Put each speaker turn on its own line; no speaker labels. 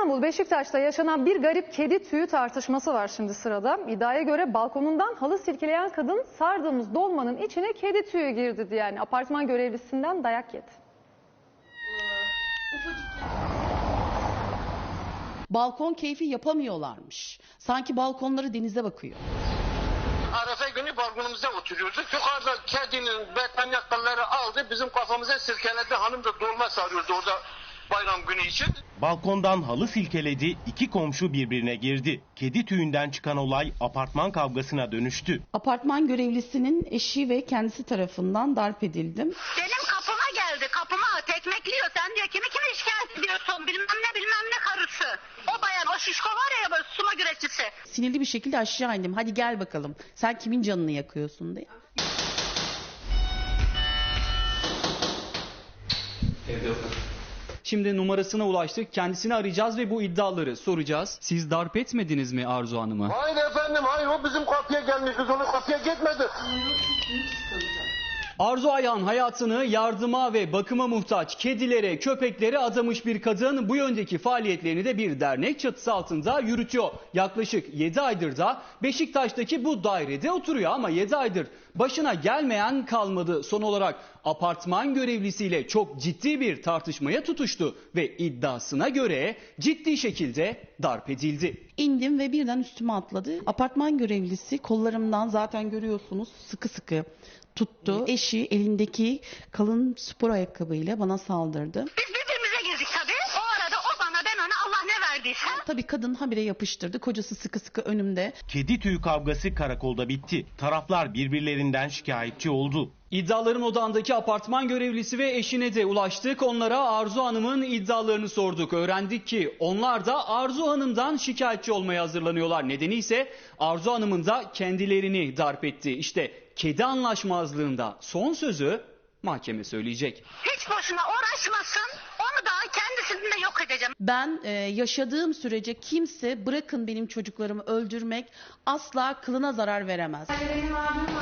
İstanbul Beşiktaş'ta yaşanan bir garip kedi tüyü tartışması var şimdi sırada. İddiaya göre balkonundan halı silkeleyen kadın sardığımız dolmanın içine kedi tüyü girdi diye, yani apartman görevlisinden dayak yedi.
Balkon keyfi yapamıyorlarmış. Sanki balkonları denize bakıyor.
Arefe günü balkonumuzda oturuyorduk. Yukarıda kedinin betanyakalları aldı, bizim kafamıza sirkeledi. Hanım da dolma sarıyordu orada bayram günü için.
Balkondan halı silkeledi, iki komşu birbirine girdi. Kedi tüyünden çıkan olay apartman kavgasına dönüştü.
Apartman görevlisinin eşi ve kendisi tarafından darp edildim.
Benim kapıma geldi, kapıma tekmekliyor. Sen diyor kimi şikayet ediyorsun, bilmem ne karısı. O bayan, o şişko var ya böyle suma güreşçisi.
Sinirli bir şekilde aşağı indim. Hadi gel bakalım. Sen kimin canını yakıyorsun diye.
Şimdi numarasına ulaştık. Kendisini arayacağız ve bu iddiaları soracağız. Siz darp etmediniz mi Arzu Hanım'ı?
Hayır efendim, hayır, o bizim kapıya gelmiş, biz onun kapıya gitmedik.
Arzu Ayhan hayatını yardıma ve bakıma muhtaç kedilere, köpeklere adamış bir kadın. Bu yöndeki faaliyetlerini de bir dernek çatısı altında yürütüyor. Yaklaşık 7 aydır da Beşiktaş'taki bu dairede oturuyor ama 7 aydır başına gelmeyen kalmadı. Son olarak apartman görevlisiyle çok ciddi bir tartışmaya tutuştu ve iddiasına göre ciddi şekilde darp edildi.
İndim ve birden üstüme atladı. Apartman görevlisi kollarımdan zaten görüyorsunuz sıkı sıkı tuttu. Eşi elindeki kalın spor ayakkabıyla bana saldırdı.
Biz birbirimize girdik tabii. O arada o bana, ben ona, Allah ne verdiyse.
Tabii kadın habire yapıştırdı. Kocası sıkı sıkı önümde.
Kedi tüyü kavgası karakolda bitti. Taraflar birbirlerinden şikayetçi oldu.
İddiaların odağındaki apartman görevlisi ve eşine de ulaştık. Onlara Arzu Hanım'ın iddialarını sorduk. Öğrendik ki onlar da Arzu Hanım'dan şikayetçi olmaya hazırlanıyorlar. Nedeni ise Arzu Hanım'ın da kendilerini darp etti. İşte kedi anlaşmazlığında son sözü mahkeme söyleyecek.
Hiç boşuna uğraşmasın. Onu da kendisini de yok edeceğim.
Ben yaşadığım sürece kimse bırakın benim çocuklarımı öldürmek asla kılına zarar veremez.